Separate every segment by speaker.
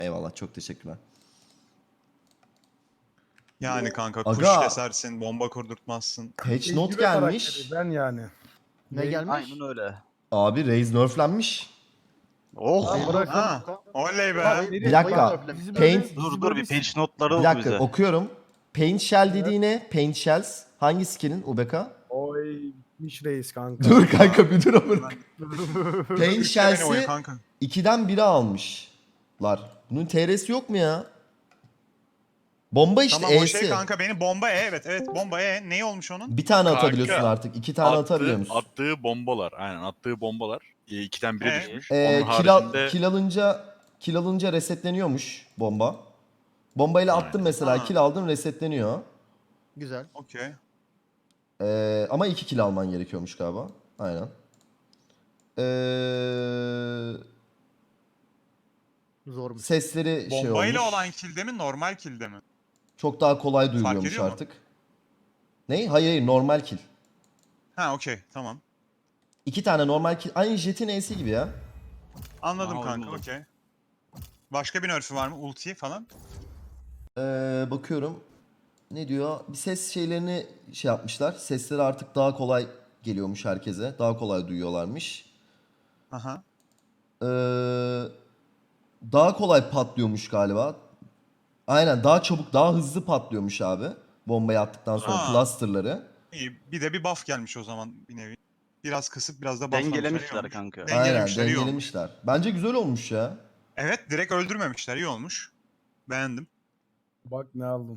Speaker 1: Eyvallah, çok teşekkürler.
Speaker 2: Yani kanka kuş
Speaker 1: Aga.
Speaker 2: kesersin, bomba kurdurtmazsın.
Speaker 1: Patch not
Speaker 3: Tecrübe
Speaker 1: gelmiş.
Speaker 3: karakteri ben yani.
Speaker 4: Ne gelmiş?
Speaker 5: Aynen öyle.
Speaker 1: Abi Raze nerflenmiş.
Speaker 5: Oh.
Speaker 3: Lan bırak.
Speaker 2: Ha, oley be.
Speaker 3: Bak,
Speaker 1: Bir dakika.
Speaker 4: Bizi
Speaker 1: Paint.
Speaker 5: Dur bir page notları
Speaker 1: Bir
Speaker 5: ol
Speaker 1: dakika
Speaker 5: bize.
Speaker 1: okuyorum. Paint Shell dediği ne? Paint Shells. Hangi skill'in UBK?
Speaker 3: Oy bitmiş reis kanka.
Speaker 1: Dur kanka bir dur amına. Paint
Speaker 2: Üç kere
Speaker 1: Shells'i
Speaker 2: oynuyor kanka.
Speaker 1: 2'den 1'e almışlar. Bunun TR'si yok mu ya? Bomba işte
Speaker 2: Tamam o
Speaker 1: E'si.
Speaker 2: şey kanka benim bomba E, evet bomba E. Neyi olmuş onun?
Speaker 1: Bir tane
Speaker 6: Kanka,
Speaker 1: atabiliyorsun artık. 2 tane atabiliyor musun?
Speaker 6: Attığı bombalar. Aynen attığı bombalar. 2'den 1'e düşmüş.
Speaker 1: Ee,
Speaker 6: Onun
Speaker 1: kill,
Speaker 6: haricinde
Speaker 1: kill alınca resetleniyormuş bomba. Bombayla attın
Speaker 6: Aynen.
Speaker 1: mesela,
Speaker 2: Ha.
Speaker 1: kill aldın, resetleniyor.
Speaker 4: Güzel.
Speaker 2: Okey.
Speaker 1: Ama 2 kill alman gerekiyormuş galiba. Aynen.
Speaker 4: Zormuş.
Speaker 1: Sesleri şey
Speaker 2: Bombayla
Speaker 1: olmuş.
Speaker 2: olan kilde mi normal kilde mi?
Speaker 1: Çok daha kolay duyuluyormuş
Speaker 2: ediyor mu?
Speaker 1: artık. Ne? Hayır, normal kill.
Speaker 2: Ha okey tamam.
Speaker 1: 2 tane normal kill. Aynı Jet'in E'si gibi ya.
Speaker 2: Anladım
Speaker 5: Aha,
Speaker 2: kanka
Speaker 5: anladım.
Speaker 2: okey. Başka bir nerf'ü var mı? Ulti falan?
Speaker 1: Bakıyorum. Ne diyor? Bir ses şeylerini şey yapmışlar. Sesleri artık daha kolay geliyormuş herkese. Daha kolay duyuyorlarmış.
Speaker 2: Aha.
Speaker 1: Ee, Daha kolay patlıyormuş galiba. Aynen, daha çabuk, daha hızlı patlıyormuş abi. Bombayı attıktan sonra
Speaker 2: Aa.
Speaker 1: clusterları.
Speaker 2: İyi. Bir de bir buff gelmiş o zaman bir nevi. Biraz kısıp biraz da bufflamışlar. iyi
Speaker 5: Dengelemişler
Speaker 2: olmuş.
Speaker 5: kanka.
Speaker 1: Aynen,
Speaker 2: Dengelemişler, iyi olmuş.
Speaker 1: dengelemişler. Bence güzel olmuş ya.
Speaker 2: Evet direkt öldürmemişler iyi olmuş. Beğendim.
Speaker 3: Bak ne aldım.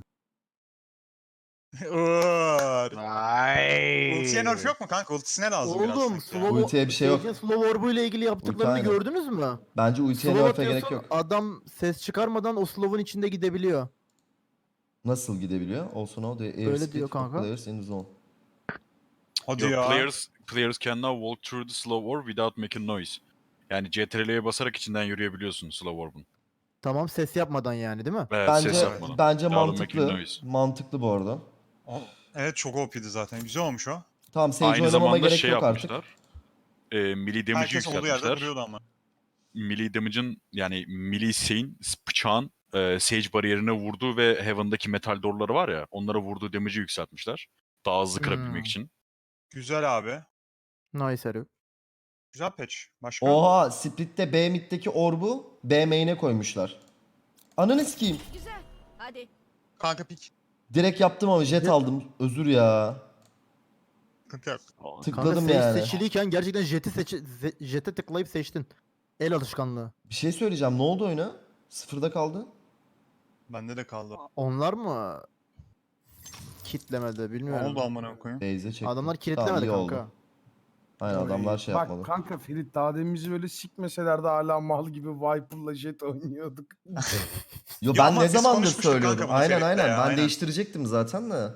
Speaker 2: Uğur.
Speaker 5: Vay.
Speaker 2: Ultiye nerf yok mu kanka? Ultisine lazım biraz
Speaker 4: Oğlum
Speaker 2: sanki ya.
Speaker 4: slow,
Speaker 1: Ultiye bir şey yok.
Speaker 4: Sage'in slow orbu ile ilgili yaptıklarını
Speaker 1: aynen.
Speaker 4: gördünüz mü?
Speaker 1: Bence ultiye
Speaker 4: Slow
Speaker 1: nerf'e gerek
Speaker 4: atıyorsun,
Speaker 1: yok.
Speaker 4: adam ses çıkarmadan o slow'un içinde gidebiliyor.
Speaker 1: Nasıl gidebiliyor? Also know the airspeed
Speaker 4: diyor
Speaker 1: of
Speaker 4: kanka.
Speaker 1: players in the zone.
Speaker 2: Hadi
Speaker 6: your
Speaker 2: ya.
Speaker 6: players can now walk through the slow orb without making noise. Yani CTRL'ye basarak içinden yürüyebiliyorsun slow orb'un.
Speaker 4: Tamam, ses yapmadan yani değil mi?
Speaker 6: Evet, ses
Speaker 1: Bence
Speaker 6: yapmadan.
Speaker 1: bence
Speaker 6: Without
Speaker 1: mantıklı.
Speaker 6: making noise.
Speaker 1: Mantıklı bu arada.
Speaker 2: Evet çok OP'di zaten. Güzel olmuş o.
Speaker 1: Tamam, Sage
Speaker 6: Aynı
Speaker 1: oynamama
Speaker 6: zamanda
Speaker 1: gerek
Speaker 6: şey
Speaker 1: yok artık.
Speaker 6: yapmışlar. Melee damage'i
Speaker 2: Herkes olduğu yerde
Speaker 6: yükseltmişler.
Speaker 2: duruyordu ama.
Speaker 6: Melee damage'ın yani melee şeyin bıçağın Sage bariyerine vurduğu ve Heaven'daki metal doorları var ya, onlara vurduğu damage'i yükseltmişler. Daha hızlı kırabilmek için.
Speaker 2: Güzel abi.
Speaker 4: Nice herif.
Speaker 2: Güzel patch. Başka?
Speaker 1: Oha, Split'te B mid'deki orbu B main'e koymuşlar. Ananı sikeyim.
Speaker 7: Güzel. Hadi.
Speaker 2: Kanka pik.
Speaker 1: Direkt yaptım ama jet aldım. Özür ya.
Speaker 2: Sıkıntı yok.
Speaker 4: Kanka
Speaker 1: Tıkladım
Speaker 4: Sage
Speaker 1: yani.
Speaker 4: seçiliyken gerçekten jet'e tıklayıp seçtin. El alışkanlığı.
Speaker 1: Bir şey söyleyeceğim. Ne oldu oyuna? Sıfırda kaldı.
Speaker 2: Bende de kaldı.
Speaker 4: Onlar mı kitlemedi
Speaker 2: Ne
Speaker 4: bilmiyorum.
Speaker 2: oldu amına koyayım?
Speaker 1: Base'e çektim.
Speaker 4: Adamlar
Speaker 1: Tamam,
Speaker 4: kilitlemedi
Speaker 1: iyi
Speaker 4: kanka.
Speaker 1: oldu. Aynen, adamlar şey yapmadı.
Speaker 3: Bak kanka Ferit daha demin bizi böyle sikmeseler de hala mal gibi Viper'la Jet oynuyorduk.
Speaker 1: Yo,
Speaker 2: Ya
Speaker 1: ben
Speaker 2: ama
Speaker 1: ne
Speaker 2: biz
Speaker 1: zamandır
Speaker 2: konuşmuştuk
Speaker 1: söylüyordum.
Speaker 2: kanka bunu
Speaker 1: Aynen
Speaker 2: Ferit'le
Speaker 1: aynen.
Speaker 2: ya,
Speaker 1: Ben
Speaker 2: aynen.
Speaker 1: değiştirecektim zaten de.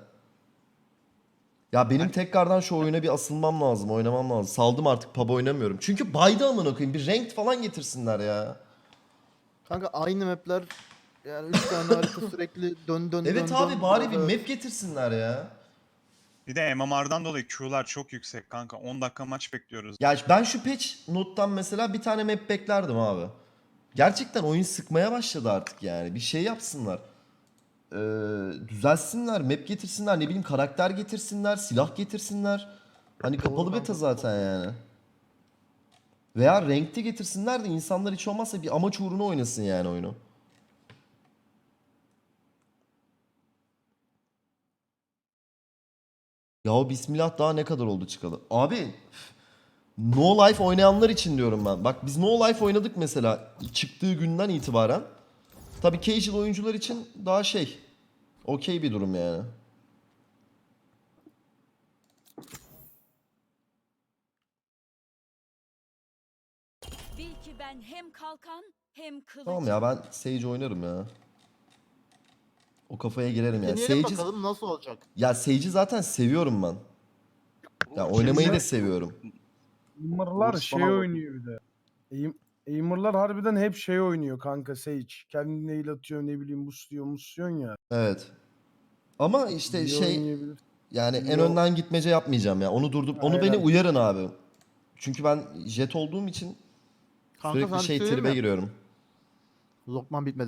Speaker 1: Ya benim tekrardan şu oyuna bir asılmam lazım, oynamam lazım. Saldım artık, pub oynamıyorum. Çünkü baydı amına koyayım. Bir ranked falan getirsinler ya.
Speaker 4: Kanka aynı mapler yani 3 tane harita sürekli dön
Speaker 1: Evet
Speaker 4: dön,
Speaker 1: abi,
Speaker 4: dön,
Speaker 1: bari bir
Speaker 4: evet.
Speaker 1: map getirsinler ya.
Speaker 2: Bir de MMR'dan dolayı Q'lar çok yüksek kanka. 10 dakika maç bekliyoruz.
Speaker 1: Ya ben şu patch nottan mesela bir tane map beklerdim abi. Gerçekten oyun sıkmaya başladı artık yani. Bir şey yapsınlar. Düzelsinler, map getirsinler, ne bileyim karakter getirsinler, silah getirsinler. Hani kapalı beta zaten yani. Veya renkli getirsinler de insanlar hiç olmazsa bir amaç uğruna oynasın yani oyunu. Ya bismillah, daha ne kadar oldu çıkalı? Abi No Life oynayanlar için diyorum ben. Bak biz No Life oynadık mesela çıktığı günden itibaren. Tabii casual oyuncular için daha şey, okey bir durum yani.
Speaker 7: Bil ki ben hem kalkan hem kılıç.
Speaker 1: Tamam ya, ben Sage oynarım ya. O kafaya girerim ya.
Speaker 4: Deneyelim
Speaker 1: Sage'i,
Speaker 4: bakalım nasıl olacak.
Speaker 1: ya Sage'i zaten seviyorum ben. Ya oynamayı da seviyorum.
Speaker 3: Aimer'lar
Speaker 5: Uğur
Speaker 3: şey
Speaker 5: bana bak.
Speaker 3: oynuyor bir de. Aimer'lar harbiden hep şey oynuyor kanka Sage. Kendine heal atıyor ne bileyim musluyorsun ya.
Speaker 1: Evet. Ama işte
Speaker 3: İyi
Speaker 1: şey,
Speaker 3: oynayabilir.
Speaker 1: yani en
Speaker 3: Yo.
Speaker 1: önden gitmece yapmayacağım ya. Onu durdup onu beni
Speaker 3: Aynen.
Speaker 1: uyarın abi. Çünkü ben jet olduğum için
Speaker 4: Kanka
Speaker 1: sürekli
Speaker 4: sana bir
Speaker 1: şey
Speaker 4: söyleyeyim
Speaker 1: tribe
Speaker 4: mi?
Speaker 1: giriyorum.
Speaker 4: Lokman bitmedi.